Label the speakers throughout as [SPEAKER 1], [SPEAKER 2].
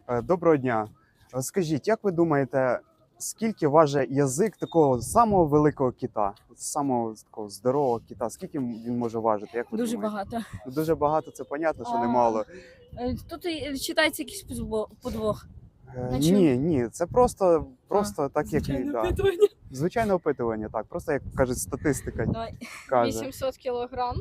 [SPEAKER 1] Доброго дня. Скажіть, як ви думаєте, скільки важить язик такого самого великого кита, самого такого здорового кита? Скільки він може важити? Як ви
[SPEAKER 2] Дуже
[SPEAKER 1] думаєте?
[SPEAKER 2] багато.
[SPEAKER 1] Ну, дуже багато, це понятно, що
[SPEAKER 2] А,
[SPEAKER 1] немало.
[SPEAKER 2] Тут і читається якийсь подвох. На
[SPEAKER 1] Ні, це просто так, як
[SPEAKER 2] Звичайне
[SPEAKER 1] да.
[SPEAKER 2] опитування.
[SPEAKER 1] Звичайне опитування, так. Просто як кажуть, статистика
[SPEAKER 2] Давай.
[SPEAKER 1] каже.
[SPEAKER 3] 800 кілограм.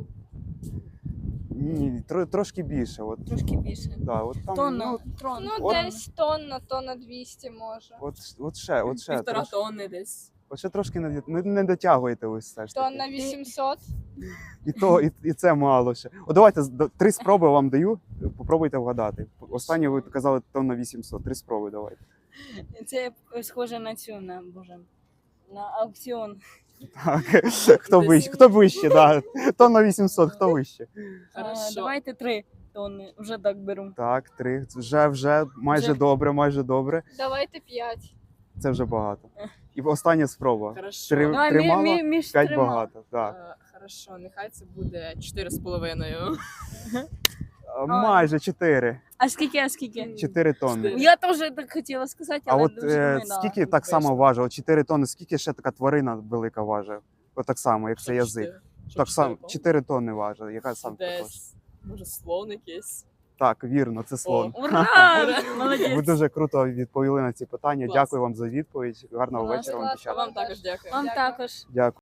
[SPEAKER 1] Ні, трошки більше. От,
[SPEAKER 2] Трошки більше.
[SPEAKER 1] да, от там,
[SPEAKER 2] Тонна.
[SPEAKER 3] Ну,
[SPEAKER 1] От-
[SPEAKER 3] десь тонна 200 може.
[SPEAKER 1] от ще,
[SPEAKER 4] Півтора тонни десь.
[SPEAKER 1] от ще трошки не дотягуєте ви все ж таки.
[SPEAKER 3] Тонна 800.
[SPEAKER 1] І це мало ще. О, давайте 3 спроби вам даю. Попробуйте вгадати. Останнє ви казали тонна 800. 3 спроби давайте.
[SPEAKER 2] Це схоже на цю, на аукціон.
[SPEAKER 1] Так. Хто вище, да. Тонна 800, хто вище?
[SPEAKER 4] Хорошо.
[SPEAKER 2] Давайте 3 тонни, вже так беру.
[SPEAKER 1] Так, 3. Вже майже
[SPEAKER 2] Вже.
[SPEAKER 1] добре.
[SPEAKER 3] Давайте 5.
[SPEAKER 1] Це вже багато. І остання спроба.
[SPEAKER 4] Хорошо.
[SPEAKER 1] Три-
[SPEAKER 2] Давай
[SPEAKER 1] мало,
[SPEAKER 2] між
[SPEAKER 1] 5
[SPEAKER 2] трьома.
[SPEAKER 1] багато. Так.
[SPEAKER 4] Хорошо, нехай це буде 4,5.
[SPEAKER 1] Майже 4.
[SPEAKER 2] А скільки?
[SPEAKER 1] 4 тонни.
[SPEAKER 2] Я теж так хотіла сказати,
[SPEAKER 1] А
[SPEAKER 2] але
[SPEAKER 1] от
[SPEAKER 2] дуже думаю, да.
[SPEAKER 1] скільки так само важить? От 4 тонни, скільки ще така тварина велика важить? От так само, як це язик. Так само 4 тонни важить. Яка сам також?
[SPEAKER 4] Десь, може, слон якийсь.
[SPEAKER 1] Так, вірно, це слон.
[SPEAKER 2] Ура!
[SPEAKER 1] Ви
[SPEAKER 2] Молодець!
[SPEAKER 1] дуже круто відповіли на ці питання.
[SPEAKER 4] Клас.
[SPEAKER 1] Дякую вам за відповідь. Гарного
[SPEAKER 2] Клас.
[SPEAKER 1] вечора вам,
[SPEAKER 3] Клас.
[SPEAKER 4] А
[SPEAKER 1] дівчата.
[SPEAKER 4] вам також дякую.
[SPEAKER 2] Вам також.
[SPEAKER 1] Дякую.